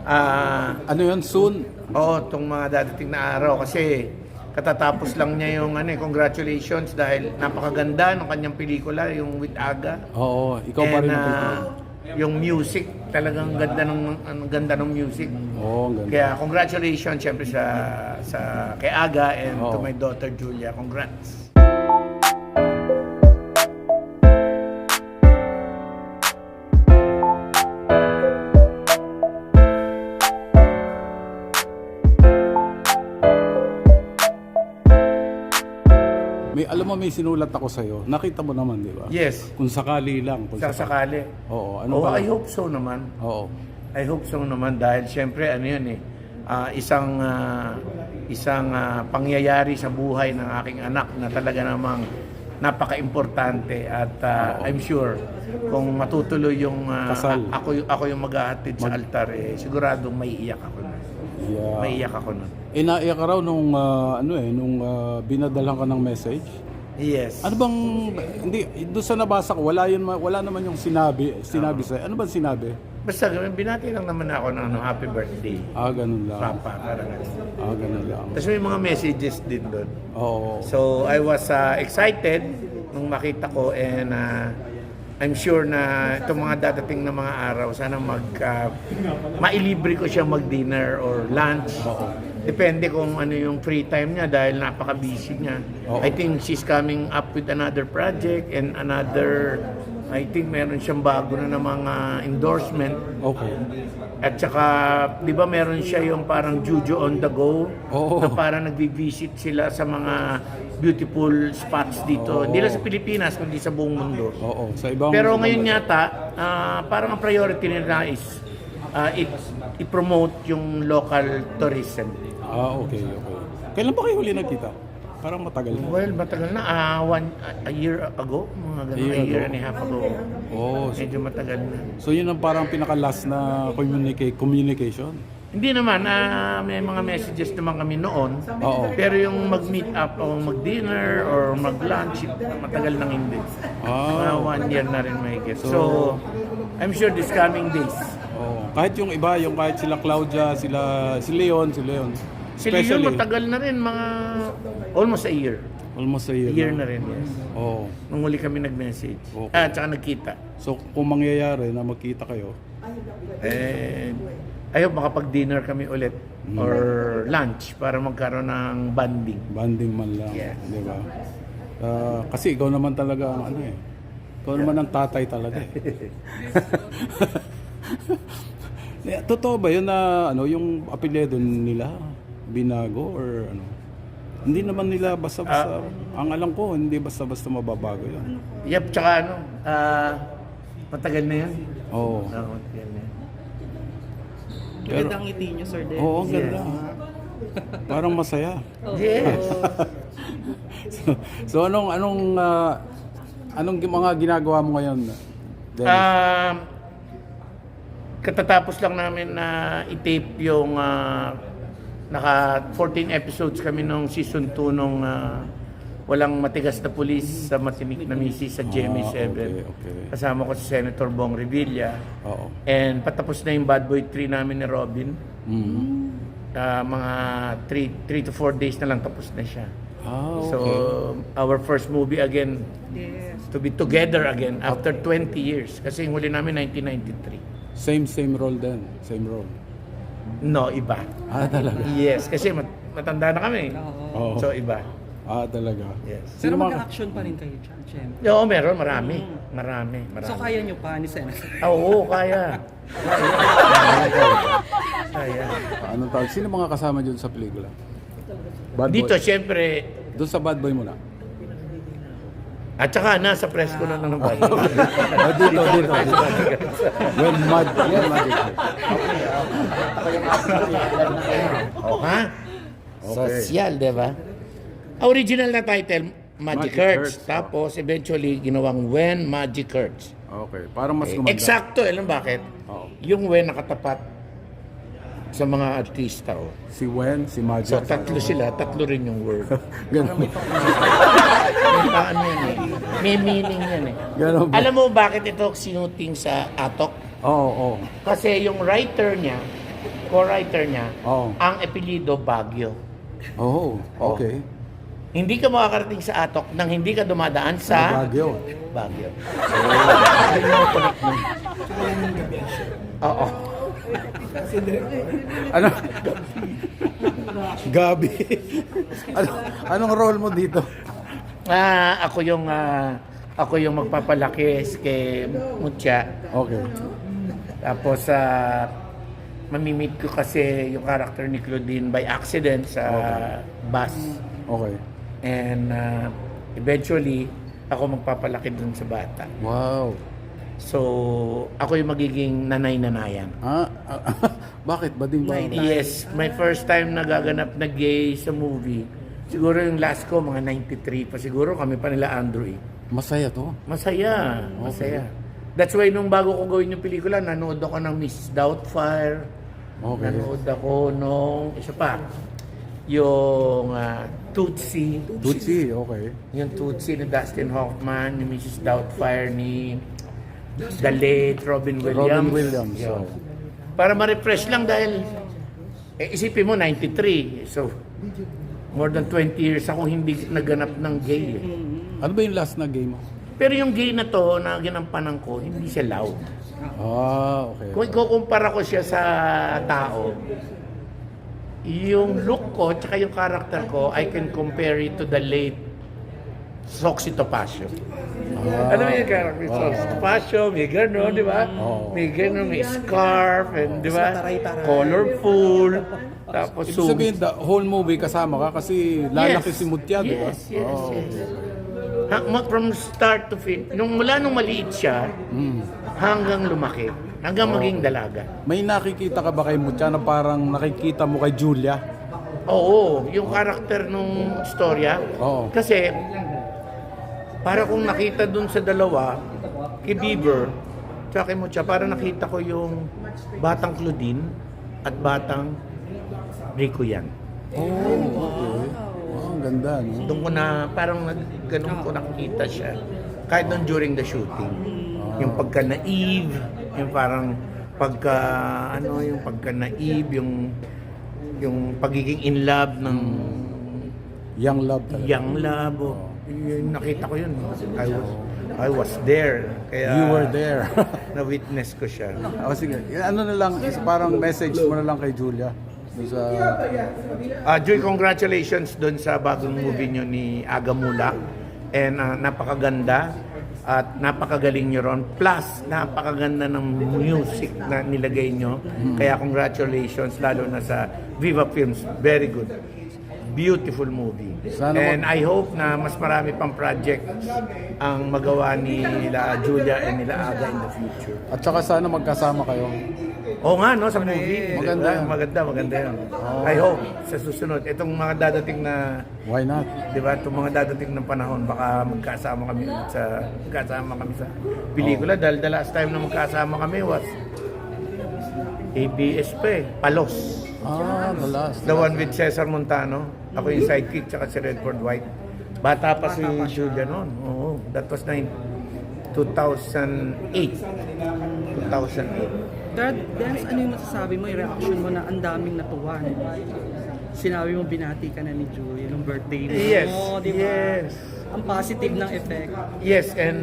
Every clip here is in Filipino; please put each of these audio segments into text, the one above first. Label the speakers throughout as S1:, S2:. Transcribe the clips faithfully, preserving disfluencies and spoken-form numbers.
S1: Ah,
S2: Ano yun? Soon?
S1: oo, itong mga dadating na araw kasi katatapos lang niya yung ano, eh, congratulations dahil napakaganda ng kanyang pelikula, yung With Aga.
S2: Oo, ikaw pa rin
S1: And
S2: ang
S1: ah, yung music, talagang ganda ng ang ganda ng music.
S2: Oo, ang ganda.
S1: Kaya congratulations syempre sa sa kay Aga and to
S2: Oo.
S1: my daughter Julia. Congrats.
S2: May, alam mo, may sinulat ako sa'yo. Nakita mo naman, di ba?
S1: Yes.
S2: Kung sakali lang. Kung
S1: Sa sakali.
S2: Oo, ano
S1: Oh,
S2: ba?
S1: I hope so naman.
S2: Oo.
S1: I hope so naman dahil syempre ano yun eh ah, isang ah, isang ah, pangyayari sa buhay ng aking anak na talaga namang napaka-importante at ah, I'm sure kung matutuloy yung ah,
S2: Kasal.
S1: ako y- ako yung maghahatid sa altar eh siguradong maiiyak ako nun.
S2: Yeah.
S1: Maiiyak ako nun.
S2: Eh, naiyak ka raw nung, ah, ano eh, nung ah, binadalhan ka ng message.
S1: Yes.
S2: Ano bang, hindi, doon sa nabasa ko, wala, yun, wala naman yung sinabi, sinabi sa'yo. Ano bang sinabi?
S1: Basta binati lang naman ako ng ano, happy birthday.
S2: Ah, ganun lang.
S1: Papa, parang ganun.
S2: Ah, ganun lang.
S1: Tapos may mga messages din doon.
S2: Oo.
S1: So I was uh, excited nung makita ko and uh, I'm sure na itong mga dadating na mga araw sana mag uh, mailibre ko siya mag-dinner or lunch. Depende kung ano yung free time niya dahil napaka-busy niya.
S2: Oo.
S1: I think she's coming up with another project and another I think meron siyang bago na ng mga endorsement.
S2: Okay.
S1: At saka, di ba meron siya yung parang Juju on the go?
S2: Oo.
S1: Na parang nagvi-visit sila sa mga beautiful spots dito.
S2: Oo.
S1: Hindi lang sa Pilipinas, kundi sa buong mundo.
S2: Oo. Sa ibang...
S1: Pero ngayon yata, ah, parang ang priority nila is ah, i- i-promote yung local tourism.
S2: Ah, okay, okay. Kailan ba kayo huli nagkita? Parang matagal na.
S1: Well, matagal na. ah, one, a year ago, mga ganun,
S2: A year
S1: a year
S2: ago?
S1: and a half ago.
S2: Oh, so,
S1: Medyo matagal na.
S2: so yun ang parang pinaka-last na communica- communication?
S1: Hindi naman, ah, may mga messages naman kami noon.
S2: Oo.
S1: Pero yung mag-meet up o mag-dinner or mag-lunch, matagal nang hindi. Mga
S2: Ah,
S1: one year na rin may So,
S2: So,
S1: I'm sure this coming days.
S2: oh. Kahit yung iba, yung kahit sila Claudia, sila si Leon, si Leon.
S1: Si Leon matagal na rin, mga almost a year.
S2: Almost a
S1: A
S2: year.
S1: year
S2: na.
S1: na rin, yes.
S2: Oo.
S1: Nung huli kami nag-message.
S2: Okay.
S1: Ah, tsaka nagkita.
S2: So kung mangyayari na magkita kayo,
S1: Eh, I hope makapag-dinner kami ulit or lunch para magkaroon ng bonding.
S2: banding man lang,
S1: Yes.
S2: di ba? Ah, kasi ikaw naman talaga ang ano eh. Ikaw naman ang tatay talaga eh. Eh, Totoo ba yun na ano, yung apelyido nila binago or ano? Hindi naman nila basta-basta, ang alam ko, hindi basta-basta mababago yun.
S1: Yep, tsaka ano, ah, matagal na yan.
S2: Oo.
S1: Ah, matagal na yan.
S2: Pero,
S3: Magandang ngiti niyo, Sir Dennis.
S2: oo, ang ganda. Parang masaya.
S1: Yes.
S2: so, so anong anong ah, anong gi- mga ginagawa mo ngayon? Dennis?
S1: Um, katatapos lang namin na i-tape yung ah, naka fourteen episodes kami nung season two nung ah, Walang Matigas na Pulis sa Matinik na Misis sa G M A seven.
S2: Ah, okay, okay.
S1: Kasama ko si Senator Bong Revilla.
S2: Oo.
S1: And patapos na yung Bad Boy three namin ni Robin.
S2: Mhm.
S1: Ah, mga three to four days na lang tapos na siya.
S2: Ah, okay.
S1: So, our first movie again,
S3: Yes.
S1: to be together again after twenty years. Kasi yung huli namin nineteen ninety-three.
S2: Same same role din, same role.
S1: No, iba.
S2: Ah, talaga.
S1: Yes, kasi mat- matanda na kami.
S2: Oo.
S1: So, iba.
S2: Ah, talaga.
S1: Yes.
S3: Pero
S2: Sino mga-
S3: mag-action pa rin kayo dyan, syempre.
S1: Oo, meron. Marami. Marami. Marami.
S3: So kaya nyo pa ni Senator?
S1: Ah, oo, kaya. Kaya.
S2: Anong tawag? Sino mga kasama dyan sa pelikula? Bad
S1: Dito,
S2: Boy.
S1: syempre,
S2: Doon sa Bad Boy muna.
S1: at saka nasa press ko na ng bahay.
S2: Ah, dito, dito. When mad, when mad.
S1: Oh, ha? Social, di ba? Original na title, Magic,
S2: Magic
S1: Hurts.
S2: Hurts,
S1: Tapos, eventually, ginawang When Magic Hurts.
S2: Okay, para mas
S1: Eh,
S2: gumanda.
S1: Eksakto, alam bakit?
S2: Oo.
S1: Yung When nakatapat sa mga artista. Oh.
S2: Si Wen, si Magic.
S1: So, tatlo sila, tatlo rin yung word.
S2: Ganun.
S1: May paano yan eh. May meaning yan eh.
S2: Ganun ba?
S1: Alam mo bakit ito sinuting sa Atok?
S2: Oo, oo.
S1: Kasi yung writer niya, co-writer niya,
S2: Oo.
S1: ang apelyido Baguio.
S2: Oh, okay.
S1: Hindi ka makakarating sa Atok nang hindi ka dumadaan sa
S2: Baguio.
S1: Baguio. Yun yung connect mo. Oo.
S2: Ano? Gabi. ano, anong role mo dito?
S1: Ah, ako yung ah, ako yung magpapalaki kay Mucha.
S2: Okay.
S1: Tapos sa mamimit ko kasi yung character ni Claudine by accident sa bus.
S2: Okay.
S1: And uh, eventually, ako magpapalaki dun sa bata.
S2: Wow.
S1: So, ako yung magiging nanay-nanayan.
S2: Ah, bakit? Bading ba?
S1: Yes, my first time nagaganap na gay sa movie. Siguro yung last ko, mga ninety-three pa. Siguro kami pa nila Andrew eh.
S2: Masaya to.
S1: Masaya, masaya. That's why nung bago ko gawin yung pelikula, nanood ako ng Miss Doubtfire.
S2: Okay.
S1: Nanood ako nung, isa pa, yung uh, Tootsie.
S2: Tutsi, okay.
S1: Yung Tootsie ni Dustin Hoffman, ni Missus Doubtfire, ni the late Robin Williams.
S2: Robin Williams,
S1: Yun.
S2: oh.
S1: Para ma-refresh lang dahil, eh, isipin mo, ninety-three. So, more than twenty years ako hindi naganap ng gay. Eh.
S2: Ano ba yung last na game mo?
S1: Pero yung gay na to, na ginampanan ko, hindi siya loud.
S2: Ah, okay.
S1: Kung ikukumpara ko siya sa tao, yung look ko, tsaka yung character ko, I can compare it to the late Soxy Topacio.
S2: Ah,
S1: Ano yung character?
S2: oh.
S1: Soxy Topacio, may gano'n, di ba?
S2: Oh.
S1: May gano'n, may scarf, and, di ba?
S3: Taray-taray.
S1: Colorful. Tapos,
S2: Ibig sabihin, the whole movie kasama ka kasi lalaki
S1: Yes.
S2: si Mutya, di ba?
S1: Yes, yes,
S2: Oh,
S1: yes.
S2: okay.
S1: Ha, ma- from start to fin, nung mula nung maliit siya,
S2: Mm.
S1: hanggang lumaki, hanggang maging dalaga.
S2: May nakikita ka ba kay Mutya na parang nakikita mo kay Julia?
S1: Oo, yung karakter nung storya.
S2: Oo.
S1: Kasi, para kung nakita dun sa dalawa, kay Bieber, tsaka kay Mucha, para nakita ko yung batang Claudine at batang Rico yan.
S2: Oh, okay. Oh, ang ganda, no?
S1: Doon ko na, parang nag- ganun ko nakita siya. Kahit doon during the shooting. Yung pagka-naive, yung parang pagka, ano, yung pagka-naive, yung yung pagiging in love ng
S2: Young love talaga.
S1: young love. Oh, yun, nakita ko yun. I was, I was there. Kaya
S2: You were there.
S1: na-witness ko siya.
S2: O sige, ano na lang, is parang message mo na lang kay Julia. Doon sa...
S1: Ah, Joy, congratulations doon sa bagong movie nyo ni Aga Mula. And ah, napakaganda at napakagaling nyo ron. Plus, napakaganda ng music na nilagay nyo. Kaya congratulations, lalo na sa Viva Films. Very good. Beautiful movie.
S2: Sana
S1: And I hope na mas marami pang projects ang magawa ni nila Julia and nila Aga in the future.
S2: At saka sana magkasama kayo.
S1: Oo nga, no, sa movie.
S2: Maganda
S1: Diba?
S2: yan.
S1: Maganda, maganda yan. I hope sa susunod, itong mga dadating na,
S2: Why not?
S1: di ba, itong mga dadating ng panahon, baka magkasama kami ulit sa, magkasama kami sa pelikula. Dahil the last time na magkasama kami was A B S pa eh, Palos.
S2: Ah, the last.
S1: The one with Cesar Montano. Ako yung sidekick, tsaka si Redford White. Bata pa si Julia noon. Oo, that was nine, two thousand eight. two thousand eight.
S3: Dad, Dance, ano yung masasabi mo, yung reaction mo na ang daming natuwa? Sinabi mo binati ka na ni Julia nung birthday mo.
S1: Yes,
S3: Oo, di ba?
S1: yes.
S3: Ang positive ng effect.
S1: Yes, and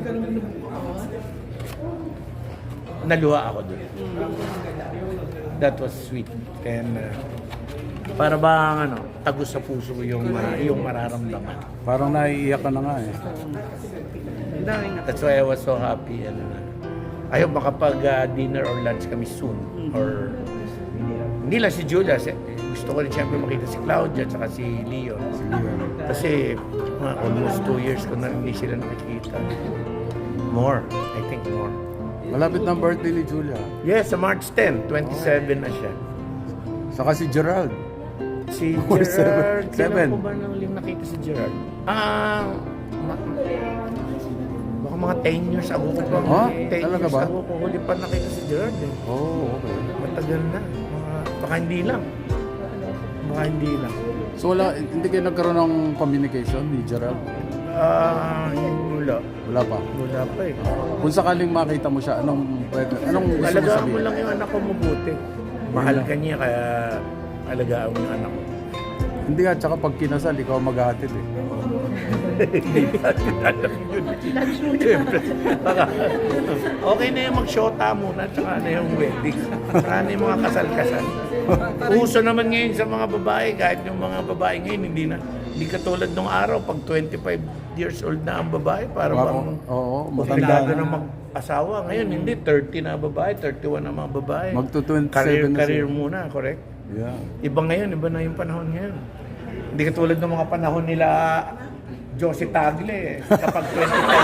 S1: naluha ako doon. That was sweet. And uh, para bang ano, tagos sa puso ko yung, uh, yung mararamdaman.
S2: Parang naiiyak ka na nga eh.
S3: Ang daming natuwa.
S1: That's why I was so happy. And uh, I hope makapag uh, dinner or lunch kami soon. Or hindi lang si Julia. Si, gusto ko rin siyempre makita si Claudia at si Leon. Kasi mga almost two years ko na hindi sila nakikita. More. I think more.
S2: Malapit na ang birthday ni Julia.
S1: Yes, sa March tenth, twenty-seven na siya.
S2: Saka si Gerald.
S1: Si
S2: Oh,
S1: Gerard,
S2: seven.
S1: kailan
S2: Seven.
S1: ko ba nang huling nakita si Gerard? Ah, ma- baka mga ten years ago ko pa.
S2: Ha?
S1: ten
S2: Talaga
S1: years
S2: ba?
S1: ago ko huli pa nakita si Gerard eh.
S2: Oh, okay.
S1: Matagal na. Mga, baka hindi lang. Baka hindi lang.
S2: So wala, hindi kayo nagkaroon ng communication ni Gerald?
S1: Ah, wala.
S2: Wala pa.
S1: Wala pa eh.
S2: Kung sakaling makita mo siya, anong pwede, anong gusto mo
S1: Alagaan mo
S2: sabihin?
S1: lang yung anak ko mabuti. mahal ka niya, kaya alagaan mo yung anak mo.
S2: Hindi nga, tsaka pag kinasal, ikaw maghahatid eh.
S1: Hindi ba alam yun? Siyempre, baka, okay na yung mag-shota muna, tsaka na yung wedding, tsaka na yung mga kasal-kasal. Uso naman ngayon sa mga babae, kahit yung mga babae ngayon, hindi na, hindi katulad nung araw, pag twenty-five years old na ang babae, para
S2: Oo,
S1: bang
S2: oo, matanda
S1: obligado
S2: na.
S1: na mag-asawa. Ngayon, hindi, thirty na babae, thirty-one na mga babae.
S2: Magto twenty-seven
S1: Career,
S2: na
S1: career
S2: siya.
S1: muna, correct?
S2: Yeah.
S1: Iba ngayon, iba na yung panahon ngayon. Hindi katulad ng mga panahon nila Josie Tagle, kapag twenty-five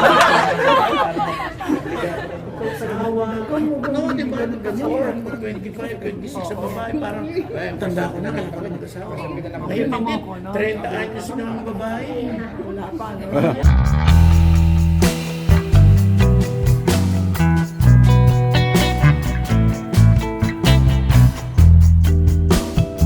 S1: no, di ba? Before, twenty-five, twenty-six sa babae, parang, ay, ang tanda ko na, kailangan mag-asawa. Ngayon, hindi, thirty anyos na ang babae.